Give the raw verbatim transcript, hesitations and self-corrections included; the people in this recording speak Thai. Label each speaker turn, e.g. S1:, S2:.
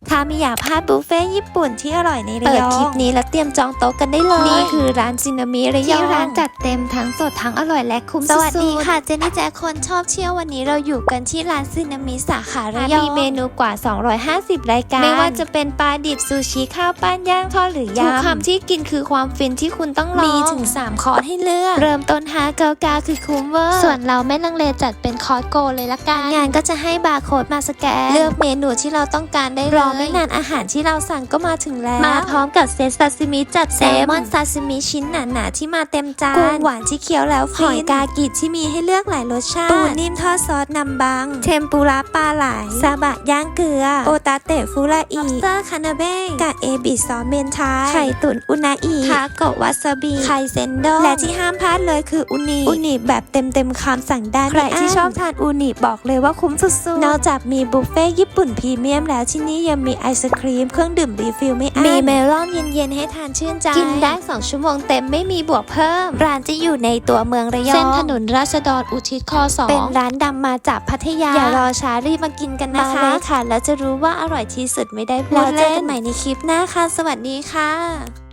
S1: ถ้าไม่อยากพลาดบุฟเฟ่ญี่ปุ่นที่อร่อยในระยองเปิดคลิปนี้แล้วเตรียมจองโต๊ะกันได้เลยนี่คือร้านซินามิระยองที่ร้านจัดเต็มทั้งสดทั้งอร่อยและคุ้มสุดๆสวัสดีค่ะเจนนี่แจ๊คคนชอบเที่ยววันนี้เราอยู่กันที่ร้านซินามิสาขาระยองมีเมนูกว่าสองร้อยห้าสิบรายการไม่ว่าจะเป็นปลาดิบซูชิข้าวปั้นย่างทอดหรือยำทุกคำที่กินคือความฟินที่คุณต้องลองมีถึงสามคอร์สให้เลือกเริ่มต้นห้าเก้าเก้าคือคุ้มเวอร์ส่วนเราไม่ลังเลจัดเป็นคอร์สโกเลยละกันงานก็จะให้บาร์โค้ดมาสแกนเลือกเมนูที่เราต้องการได้เลยรอไม่นานอาหารที่เราสั่งก็มาถึงแล้วมาพร้อมกับเซตซาซิมิจัดเต็มแซลมอนซาซิมิชิ้นหนาๆที่มาเต็มจานกุ้งหวานที่เคี้ยวแล้วฟินหอยกากิที่มีให้เลือกหลายรสชาติปูนิ่มทอดซอสนำบังเทมปุระปลาไหลซาบะย่างเกลือโอตาเตะฟูราอิเตอร์คานาเบ้กะเอบิซอสเมนไทไข่ตุ๋นอุนาอิทาโกะวาซาบิไข่เซนโดและที่ห้ามพลาดเลยคืออุนิอุนิแบบเต็มเต็มคำสั่งได้ใครที่ชอบทานอุนิบอกเลยว่าคุ้มสุดๆนอกจากมีบุฟเฟ่ญี่ปุ่นพรีเมียมแล้วที่นี่ยังมีไอศครีมเครื่องดื่มรีฟิลไม่อั้นมีเมลอนเย็นๆให้ทานชื่นใจกินได้สองชั่วโมงเต็มไม่มีบวกเพิ่มร้านจะอยู่ในตัวเมืองระยองเส้นถนนราษฎรอุทิศคสองเป็นร้านดังมาจากพัทยาอย่ารอช้ารีบมากินกันนะคะมาเลยค่ะแล้วจะรู้ว่าอร่อยที่สุดไม่ได้พูดเล่นแล้วเจอกันใหม่ในคลิปหน้าค่ะสวัสดีค่ะ